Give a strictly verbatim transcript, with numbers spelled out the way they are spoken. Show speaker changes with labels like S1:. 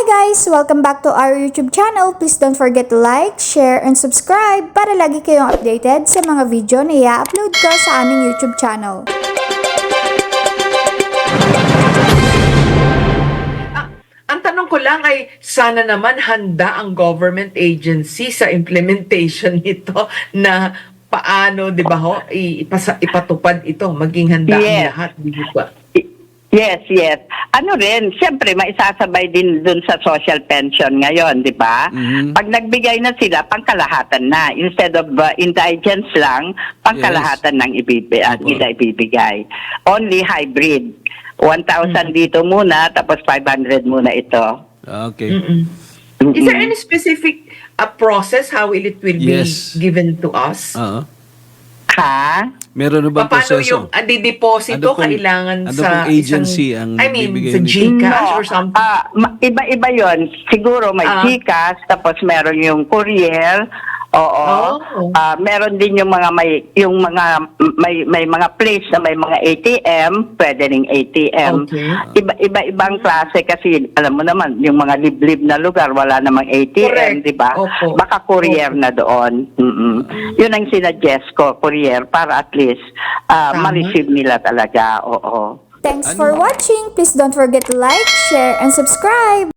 S1: guys! Welcome back to our YouTube channel. Please don't forget to like, share, and subscribe para lagi kayong updated sa mga video na i-upload ko sa aming YouTube channel.
S2: Ah, ang tanong ko lang ay sana naman handa ang government agency sa implementation nito na paano, di ba ho, ipasa, ipatupad ito, maging handa ang
S3: Yes.
S2: lahat, di ba?
S3: Yes, yes. Ano rin, siyempre maisasabay din dun sa social pension ngayon, di ba?
S4: Mhm.
S3: Pag nagbigay na sila, pangkalahatan na. Instead of uh, indigents lang, pangkalahatan ng ibibigay, at
S4: Opo.
S3: nila ibibigay. Only hybrid. one thousand dito muna, tapos five hundred muna ito.
S4: Okay.
S2: Mm-mm. Is there any specific uh, process how will it will
S4: Yes.
S2: be given to us?
S4: Oo.
S3: Ha?
S4: Meron na bang
S2: Paano
S4: proseso?
S2: yung uh, dideposito
S4: Ano pong-
S2: kailangan
S4: ano
S2: sa
S4: pong agency
S2: isang,
S4: ang
S2: I mean,
S4: bibigay
S2: sa
S4: nito?
S2: GCash
S3: No,
S2: or something?
S3: ah, ma- iba-iba yon. Siguro may
S2: Ah.
S3: GCash, tapos meron yung courier. Oo.
S2: Oh.
S3: Ah, meron din yung mga may yung mga may may mga place na may mga A T M, pwede ring A T M.
S2: Okay.
S3: Iba iba-ibang klase kasi alam mo naman yung mga liblib na lugar wala namang A T M,
S2: Correct.
S3: di ba?
S2: Opo.
S3: Baka courier
S2: Opo.
S3: na doon. Mm-mm. Yun ang sinadjust ko, courier, para at least ah,
S2: Tama.
S3: ma-receive nila talaga. Oo.
S1: Thanks for watching! Please don't forget to like, share, and subscribe!